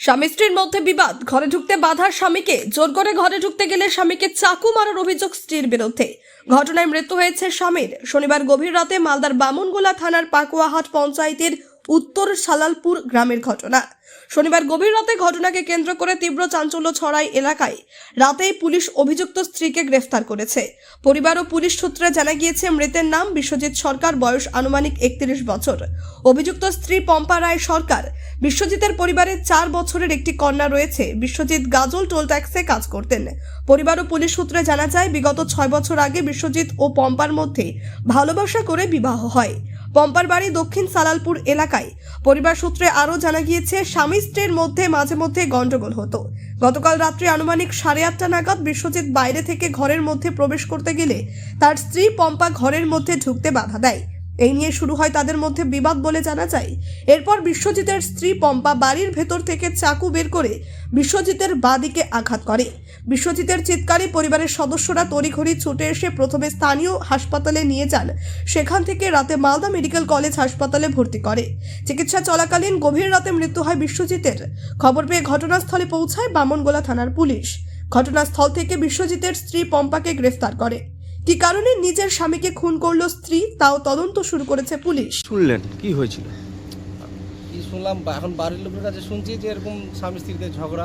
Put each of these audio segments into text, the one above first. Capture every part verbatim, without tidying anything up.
স্বামী স্ত্রীর মধ্যে বিবাদ, ঘরে ঢুকতে বাধা স্বামীকে, জোর করে ঘরে ঢুকতে গেলে স্বামীকে চাকু মারার অভিযোগ স্ত্রীর বিরুদ্ধে। ঘটনায় মৃত্যু হয়েছে স্বামীর। শনিবার গভীর রাতে মালদার বামুনগোলা থানার পাকুয়াহাট পঞ্চায়েতের উত্তর সালালপুর গ্রামের ঘটনা। শনিবার গভীর রাতে ঘটনাকে কেন্দ্র করে তীব্র চাঞ্চল্য ছড়ায় এলাকায়। রাতেই পুলিশ অভিযুক্ত স্ত্রীকে গ্রেফতার করেছে। পরিবার ও পুলিশ সূত্রে জানা গিয়েছে, মৃতের নাম বিশ্বজিৎ সরকার, বয়স আনুমানিক একত্রিশ বছর। অভিযুক্ত স্ত্রী পম্পা রায় সরকার। বিশ্বজিতের পরিবারে চার বছরের একটি কন্যা রয়েছে। বিশ্বজিৎ গাজল টোল ট্যাক্সে কাজ করতেন। পরিবার ও পুলিশ সূত্রে জানা যায়, বিগত ছয় বছর আগে বিশ্বজিৎ ও পম্পার মধ্যে ভালোবাসা করে বিবাহ হয়। পম্পার বাড়ি দক্ষিণ সালালপুর এলাকায়। পরিবার সূত্রে আরও জানা গিয়েছে, স্বামী স্ত্রীর মধ্যে মাঝে মধ্যে গন্ডগোল হতো। গতকাল রাত্রে আনুমানিক সাড়ে আটটা নাগাদ বিশ্বজিৎ বাইরে থেকে ঘরের মধ্যে প্রবেশ করতে গেলে তার স্ত্রী পম্পা ঘরের মধ্যে ঢুকতে বাধা দেয়। এই নিয়ে শুরু হয় তাদের মধ্যে বিবাদ বলে জানা যায়। এরপর বিশ্বজিতের স্ত্রী পম্পা বাড়ির ভেতর থেকে চাকু বের করে বিশ্বজিতের বাঁ দিকে আঘাত করে। বিশ্বজিতের চিৎকারে পরিবারের সদস্যরা তড়িঘড়ি ছুটে এসে প্রথমে স্থানীয় হাসপাতালে নিয়ে যান। সেখান থেকে রাতে মালদা মেডিকেল কলেজ হাসপাতালে ভর্তি করে। চিকিৎসা চলাকালীন গভীর রাতে মৃত্যু হয় বিশ্বজিতের। খবর পেয়ে ঘটনাস্থলে পৌঁছায় বামনগোলা থানার পুলিশ। ঘটনাস্থল থেকে বিশ্বজিতের স্ত্রী পম্পাকে গ্রেফতার করে। কি কারণে নিজের স্বামীকে খুন করলো স্ত্রী, তাও তদন্ত শুরু করেছে পুলিশ। শুনলেন কি হয়েছিল? কি শুনলাম, এখন বাড়ির লোকের কাছে শুনছি যে এরকম স্বামী স্ত্রীতে ঝগড়া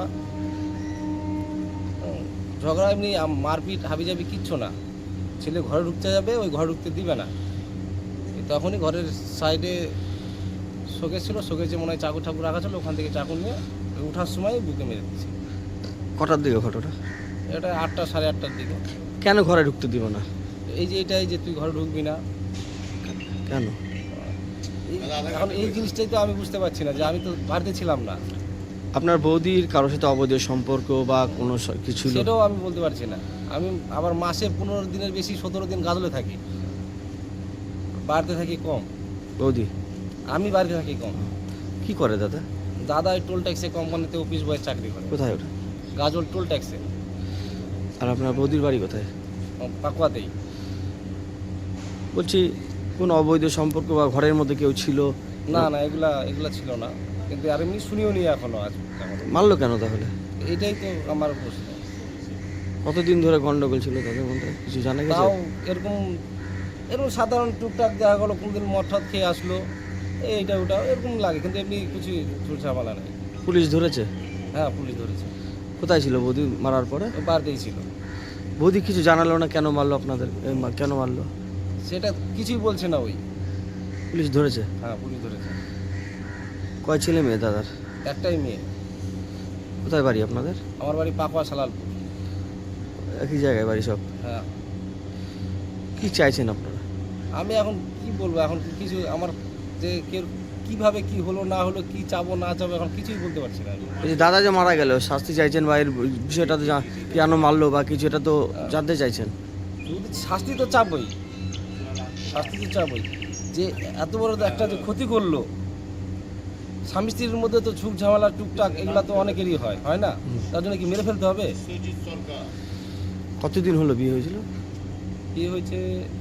ঝগড়া এমনি মারপিট হাবিজাবি কিচ্ছু না। ছেলে ঘরে ঢুকতে যাবে, ওই ঘরে ঢুকতে দিবে না। তখনই ঘরের সাইডে শোকেস ছিল, শোকেসে মনে হয় চাকু ঠাকুর রাখা ছিল, ওখান থেকে চাকু নিয়ে ওঠার সময় বুকে মেরে দিচ্ছে। কটার দিকে ঘটনা? এটা আটটা সাড়ে আটটার দিকে। কেন ঘরে ঢুকতে দিব না? এই যে এটাই যে তুই ঘরে ঢুকবি না কেন? এখন এই জিনিসটাই তো আমি বুঝতে পারছি না, যে আমি তো বাড়িতে ছিলাম না। আপনার বৌদির কারোর সাথে অবৈধ সম্পর্ক বা কোনো স- কিছু? সেটাও আমি বলতে পারছি না। আমি আবার মাসে পনেরো দিনের বেশি সতেরো দিন গাজলে থাকি, বাড়িতে থাকি কম। বৌদি আমি বাড়িতে থাকি কম। কি করে দাদা? দাদা এই টোল ট্যাক্সে কোম্পানিতে অফিস বয়ের চাকরি করে, কোথায় ওটা? গাজল টোল ট্যাক্সে। আর আপনার বৌদির বাড়ি কোথায়? পাকুয়াতেই। বলছি কোন অবৈধ সম্পর্ক বা ঘরের মধ্যে কেউ ছিল? না না, এগুলা এগুলা ছিল না, কিন্তু আর এমনি শুনিও নি এখনো আজ। মারলো কেন তাহলে? এইটাই তো আমার প্রশ্ন। কতদিন ধরে গন্ডগোল ছিল তাদের মধ্যে, কিছু জানা গেছে? তাও এরকম এরকম সাধারণ টুকটাক দেখা গেলো, কোনদিন মদ টদ খেয়ে আসলো, এইটা ওটা এরকম লাগে, কিন্তু এমনি কিছু ঝুলঝামেলা নেই। পুলিশ ধরেছে? হ্যাঁ, পুলিশ ধরেছে। কোথায় ছিল বৌদি মারার পরে? ও বাড়িতেই ছিল। বৌদি কিছু জানালো না কেন মারলো আপনাদের? এ, মা- কেন মারলো সেটা কিছুই বলছে না। ওই পুলিশ ধরেছে? হ্যাঁ, পুলিশ ধরেছে। কয় ছেলে মেয়ে দাদার? একটাই মেয়ে। কোথায় বাড়ি আপনাদের? আমার বাড়ি পাকুয়া সালালপুর। একই জায়গায় বাড়ি সব? হ্যাঁ। কি চাইছেন আপনারা? আমি এখন কি বলবো, এখন কিছু আমার যে কে কিভাবে কি হলো না হলো, কি চাবো না চাবো, এখন কিছুই বলতে পারছি না আমি। এই যে দাদা যে মারা গেল, শাস্তি চাইছেন বা এর বিষয়টা তো জা- কেন মারলো বা কিছু, এটা তো জানতে চাইছেন? যদি শাস্তি তো চাবই, শাস্তি তো চাবই। যে এত বড় একটা যে ক্ষতি করলো, স্বামী স্ত্রীর মধ্যে তো ঝুঁক ঝামেলা টুকটাক এগুলা তো অনেকেরই হয়, হয় না? তার জন্য কি মেরে ফেলতে হবে? কতদিন হলো বিয়ে হয়েছিল? বিয়ে হয়েছে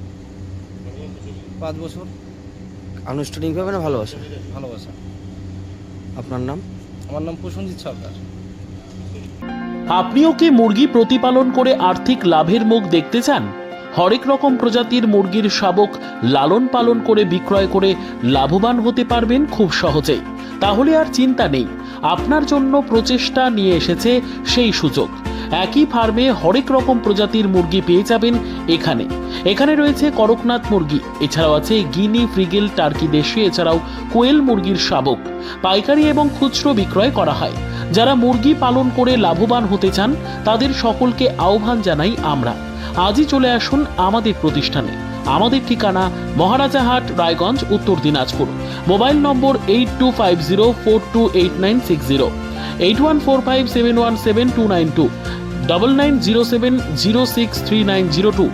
পাঁচ বছর। আনুষ্ঠানিকভাবে না ভালোবাসা? ভালোবাসা। আপনার নাম? আমার নাম প্রসেনজিৎ সরকার। আপনিও কি মুরগি প্রতিপালন করে আর্থিক লাভের মুখ দেখতে চান? হরেক রকম প্রজাতির মুরগির শাবক লালন পালন করে বিক্রয় করে লাভবান হতে পারবেন খুব সহজেই। তাহলে আর চিন্তা নেই, আপনার জন্য প্রচেষ্টা নিয়ে এসেছে সেই সুযোগ। একই ফার্মে হরেক রকম প্রজাতির মুরগি পেয়ে যাবেন এখানে। এখানে রয়েছে করকনাথ মুরগি, এছাড়াও আছে গিনি, ফ্রিগেল, টার্কি দেশি, এছাড়াও কোয়েল মুরগির শাবক। পাইকারি এবং খুচরো বিক্রয় করা হয়। যারা মুরগি পালন করে লাভবান হতে চান তাদের সকলকে আহ্বান জানাই আমরা। আজই চলে আসুন আমাদের প্রতিষ্ঠানে। আমাদের ঠিকানা Maharajahat, Raiganj, Uttar Dinajpur. Mobile number eight two five zero four two eight nine six zero, eight one four five seven one seven two nine two, double nine zero seven zero six three nine zero two.